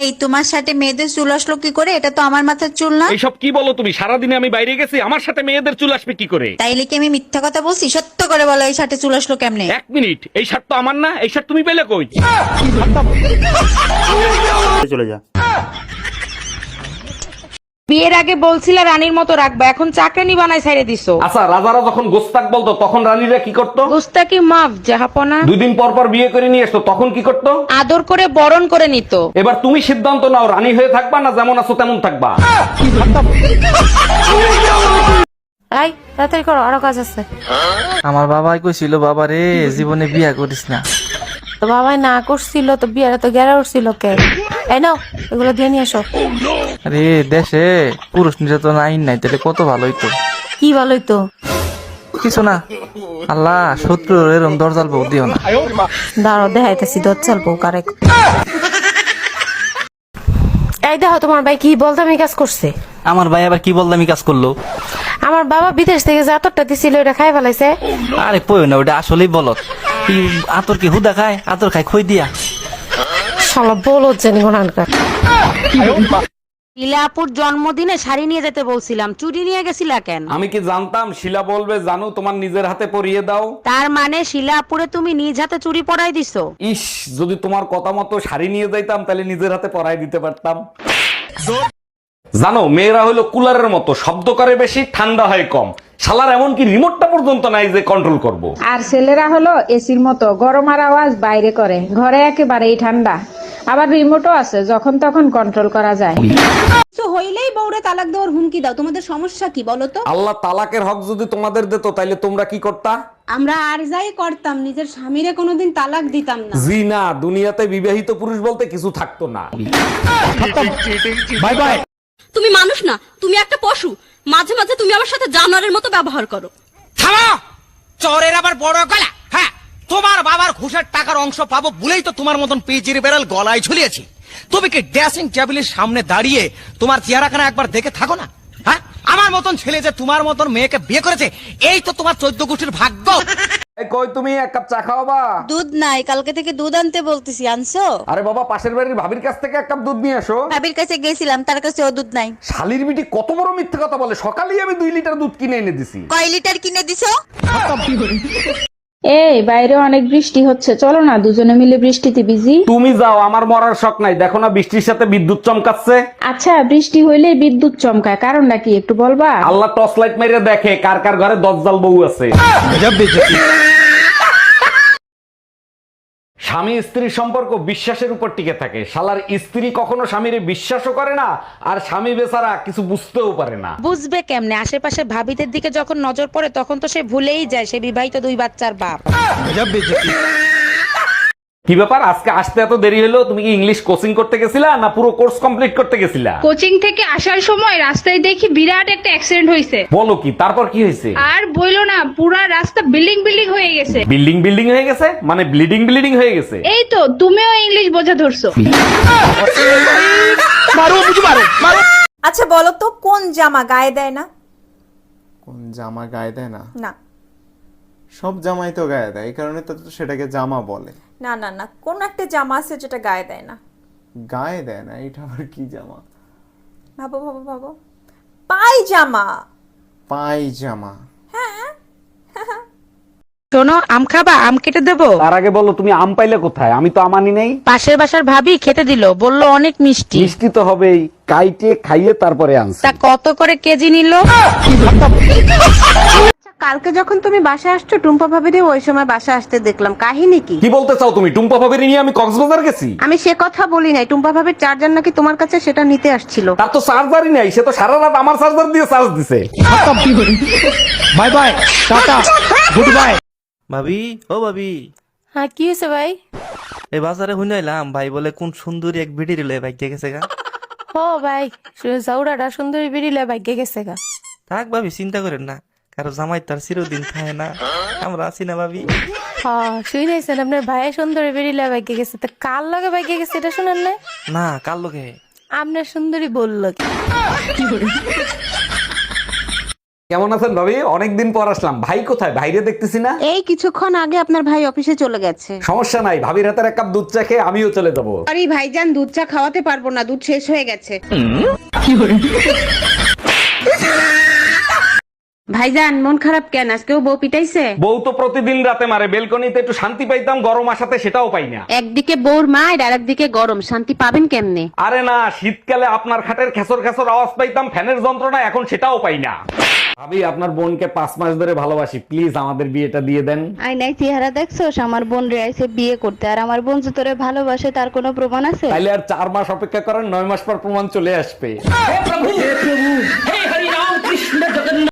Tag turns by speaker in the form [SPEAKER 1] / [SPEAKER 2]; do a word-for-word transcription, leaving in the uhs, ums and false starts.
[SPEAKER 1] এই তোমার সাথে মেয়েদের চুল আসলো কি করে? এটা তো আমার মাথার চুল না।
[SPEAKER 2] এইসব কি বলো তুমি? সারাদিনে আমি বাইরে গেছি, আমার সাথে মেয়েদের চুল আসবে কি করে?
[SPEAKER 1] তাইলে কি আমি মিথ্যা কথা বলছি? সত্য করে বলো, এই সাথে চুল আসলো কেমনে?
[SPEAKER 2] এক মিনিট, এই শার্ট তো আমার না, এই শার্ট তুমি পেলে কই?
[SPEAKER 3] চলে যা।
[SPEAKER 4] বিয়ের আগে বলছিলে রানীর মতো রাখবা, এখন চাকরানি বানাই ছাইড়ে দিছো।
[SPEAKER 2] আচ্ছা, রাজারা যখন গোস্তাক বলতো তখন রানীরা কি করতো?
[SPEAKER 4] গুস্তাকি মাফ জাহাপনা।
[SPEAKER 2] দুই দিন পর পর বিয়ে করে নিয়ে আসতো, তখন কি করতো?
[SPEAKER 4] আদর করে বরণ করে নিত।
[SPEAKER 2] এবার তুমি সিদ্ধান্ত নাও, রানী হয়ে থাকবা না যেমন আছো তেমন থাকবা?
[SPEAKER 4] এই তাড়াতাড়ি করো, আরো কাজ আছে।
[SPEAKER 5] আমার বাবাই কইছিল, বাবা রে জীবনে বিয়া করিস না।
[SPEAKER 4] তো বাবাই না করছিল তো বিয়ারে তো গেরা উঠছিল কে? এই নাও এগুলো দিয়ে নিয়ে এসো।
[SPEAKER 5] আরে দেশে পুরুষ নির্যাতন আইন নাই, তাহলে কত ভালো হইতো।
[SPEAKER 4] কি ভালোই তো।
[SPEAKER 5] কিছু না, আল্লাহ শত্রু এরম দরজাল বউ দিও না।
[SPEAKER 4] দাঁড়ো দেখাইতেছি দর চালবো কারে। এই দেখো তোমার ভাই কি বলদামি কাজ করছে।
[SPEAKER 5] আমার ভাই আবার কি বললাম কাজ করলো?
[SPEAKER 4] আমার বাবা বিদেশ থেকে যে আতরটা দিছিল ওটা খাই ফেলাইছে।
[SPEAKER 5] আরে পয় না, ওটা আসলেই বলত। কি আতর কি হুদা খায়? আতর খায় খই দিয়া।
[SPEAKER 4] শালা বলত জানি কোনানকার। ইলাপুর জন্মদিনে শাড়ি নিয়ে যেতে বলছিলাম, চুরি নিয়ে গেছিলা কেন?
[SPEAKER 2] আমি কি জানতাম শিলা বলবে জানু তোমার নিজের হাতে পরিয়ে দাও?
[SPEAKER 4] তার মানে শিলাপুরে তুমি নিজ হাতে চুরি পরাই দিছো?
[SPEAKER 2] ইস, যদি তোমার কথা মতো শাড়ি নিয়ে যাইতাম তাহলে নিজের হাতে পরাই দিতে পারতাম। জানো, মেয়েরা হলো কুলারের মতো, শব্দ করে বেশি, ঠান্ডা হয় কম। শালার এমনকি রিমোটটা পর্যন্ত নাই যে কন্ট্রোল করব।
[SPEAKER 6] আর ছেলেরা হলো এসির মতো, গরম আর আওয়াজ বাইরে করে, ঘরে একেবারেই ঠান্ডা। আবার রিমোটও আছে, যখন তখন কন্ট্রোল করা যায়।
[SPEAKER 7] হইলেই বউরে তালাক দেওয়ার হুমকি দাও, তোমাদের সমস্যা কি বলো তো?
[SPEAKER 2] আল্লাহ তালাকের হক যদি তোমাদের দিত তাইলে তোমরা কি করতা?
[SPEAKER 7] আমরা আর যাই করতাম, নিজের স্বামীরে কোনোদিন তালাক দিতাম না।
[SPEAKER 2] জি না, দুনিয়াতে বিবাহিত পুরুষ বলতে কিছু থাকতো না। Bye bye.
[SPEAKER 8] তুমি মানুষ না, তুমি একটা পশু। মাঝে মাঝে তুমি আমার সাথে জানোয়ারের মতো ব্যবহার করো।
[SPEAKER 9] থামো! চোরের আবার বড় গলা। হ্যাঁ, তোমার বাবার ঘুষের টাকার অংশ পাবো বলেই তো তোমার মতন পেজির বেড়াল গলায় ঝুলিয়েছি। তুমি কি ড্রেসিং টেবিলের সামনে দাঁড়িয়ে তোমার চেহারাখানা একবার দেখে থাকো না? হ্যাঁ, আমার মতন ছেলে যে তোমার মতন মেয়েকে বিয়ে করেছে, এই তো তোমার চোদ্দ গোষ্ঠীর ভাগ্য।
[SPEAKER 2] এই কই, তুমি এক কাপ চা খাওয়াবা?
[SPEAKER 1] দুধ নাই, কালকে থেকে দুধ আনতে বলতেছি, আনছো?
[SPEAKER 2] আরে বাবা, পাশের বাড়ির ভাবির কাছ থেকে এক কাপ দুধ নিয়ে এসো।
[SPEAKER 1] ভাবির কাছে গেছিলাম, তার কাছে ও দুধ নাই।
[SPEAKER 2] শালির বিটি কত বড় মিথ্যে কথা বলে! সকালেই আমি দুই লিটার দুধ কিনে এনে দিছি।
[SPEAKER 1] কয় লিটার কিনে দিছো?
[SPEAKER 6] এই বাইরে অনেক বৃষ্টি হচ্ছে, চলো না দুজনে মিলে বৃষ্টিতে ভিজি।
[SPEAKER 2] তুমি যাও, আমার মরার শখ নাই। দেখো না বৃষ্টির সাথে বিদ্যুৎ চমকাচ্ছে।
[SPEAKER 6] আচ্ছা, বৃষ্টি হইলে বিদ্যুৎ চমকায়, কারণটা কি একটু বলবা?
[SPEAKER 2] আল্লাহ টর্চ লাইট মেরে দেখে কার কার ঘরে দজ্জাল বউ আছে। স্বামী স্ত্রীর সম্পর্ক বিশ্বাসের উপর টিকে থাকে। শালার স্ত্রী কখনো স্বামীরে বিশ্বাসও করে না, আর স্বামী বেচারা কিছু বুঝতেও পারে না।
[SPEAKER 4] বুঝবে কেমনে? আশেপাশে ভাবিদের দিকে যখন নজর পড়ে তখন তো সে ভুলেই যায় সে বিবাহিত দুই বাচ্চার বাপ।
[SPEAKER 2] কি ব্যাপার, আজকে আসতে এত দেরি হলো? তুমি কি ইংলিশ কোচিং করতে গেছিলা না পুরো কোর্স কমপ্লিট করতে গেছিলা?
[SPEAKER 10] কোচিং থেকে আসার সময় রাস্তায় দেখি বিরাট একটা অ্যাক্সিডেন্ট হয়েছে।
[SPEAKER 2] বলো কি? তারপর কি হয়েছে?
[SPEAKER 10] আর বইলো না, পুরা রাস্তা বিল্ডিং বিল্ডিং হয়ে গেছে।
[SPEAKER 2] বিল্ডিং বিল্ডিং হয়ে গেছে মানে ব্লিডিং ব্লিডিং হয়ে গেছে?
[SPEAKER 10] এই তো তুমিও ইংলিশ বোঝা ধরছো।
[SPEAKER 7] আচ্ছা বলো তো, কোন জামা গায়ে দেয় না?
[SPEAKER 11] কোন জামা গায়ে দেয় না?
[SPEAKER 7] না
[SPEAKER 11] সব জামাই তো গায়ে দেয়, এই কারণে তো সেটাকে জামা বলে।
[SPEAKER 7] না না না, কোন একটা জামা আছে যেটা গায়ে দেয় না?
[SPEAKER 11] গায়ে দেয় না? এটা আবার কি জামা?
[SPEAKER 7] ভাবো ভাবো ভাবো। পায়জামা।
[SPEAKER 11] পায়জামা?
[SPEAKER 4] শোনো, আম খাবা? আম কেটে দেবো?
[SPEAKER 2] তার আগে বলো, তুমি আম পাইলে কোথায়? আমি তো আমানি নেই।
[SPEAKER 4] পাশের বাসার ভাবি খেতে দিল, বললো অনেক মিষ্টি।
[SPEAKER 2] মিষ্টি তো হবেই, কাইটে খাইয়ে তারপরে আনছি।
[SPEAKER 4] তা কত করে কেজি নিল?
[SPEAKER 6] কালকে যখন তুমি বাসা আসছো, টুম্পা ভাবিরে ওই সময় বাসা আসতে দেখলাম, কাহিনী কি?
[SPEAKER 2] কি বলতে চাও তুমি? টুম্পা ভাবির নিয়ে আমি কক্সবাজার গেছি?
[SPEAKER 6] আমি সে কথা বলি নাই, টুম্পা ভাবির চার্জার নাকি তোমার কাছে, সেটা নিতে আসছিল।
[SPEAKER 2] তার তো চার্জারই নাই, সে তো সারা রাত আমার চার্জার দিয়ে চার্জ দিছে। Bye bye, tata, goodbye.
[SPEAKER 5] ভাবি, ও ভাবি,
[SPEAKER 4] হ্যাঁ কি হয়েছে ভাই?
[SPEAKER 5] এই বাজারে শুনাইলাম ভাই বলে কোন সুন্দরী এক ভিডি রিলে ভাগ্যে গেছে গা।
[SPEAKER 4] ও ভাই, জাউরাটা সুন্দরী বেরিলে ভাগ্যে গেছে গা।
[SPEAKER 5] থাক ভাবি, চিন্তা করেন না, কারো জামাই তার চিরদিন খায় না, আমরা আছি না ভাবি।
[SPEAKER 4] হ্যাঁ শুনেছেন, আপনার ভাই সুন্দরী বেরিলে ভাগ্যে গেছে, তা কার লগে ভাগ্যে গেছে এটা শুনেন না?
[SPEAKER 5] না, কার লোকে?
[SPEAKER 4] আপনার সুন্দরী বললো কি?
[SPEAKER 2] কেমন আছেন ভাবি? অনেকদিন পর আসলাম। ভাই কোথায়? ভাইরে দেখতেছি না।
[SPEAKER 7] এই কিছুক্ষণ আগে আপনার ভাই অফিসে চলে গেছে।
[SPEAKER 2] সমস্যা নাই, ভাবির হাতের এক কাপ দুধ চা খেয়ে আমিও চলে যাবো।
[SPEAKER 7] আরে ভাইজান, দুধ চা খাওয়াতে পারবো না, দুধ শেষ হয়ে গেছে। ভাইজান, মন খারাপ কেন? আজকেও বউ পিটাইছে?
[SPEAKER 2] বউ তো প্রতিদিন রাতে মারে। বেলকনিতে একটু শান্তি পাইতাম, গরম আসাতে সেটাও পাই না।
[SPEAKER 7] একদিকে বউর মায়ের আর একদিকে গরম, শান্তি পাবেন কেমনে?
[SPEAKER 2] আরে না, শীতকালে আপনার খাটের খেসর খেসর আওয়াজ পাইতাম, ফ্যানের যন্ত্রণা, এখন সেটাও পাই না। ভাবি, আপনার বোনকে পাঁচ মাস ধরে ভালোবাসি, প্লিজ আমাদের বিয়েটা দিয়ে দেন।
[SPEAKER 8] আই নাই চেহারা দেখছোস? আমার বোন রে আইছে বিয়ে করতে, আর আমার বোন যে তোরে ভালোবাসে তার কোনো প্রমাণ আছে?
[SPEAKER 2] তাইলে আর চার মাস অপেক্ষা করেন, নয় মাস পর প্রমাণ চলে আসবে।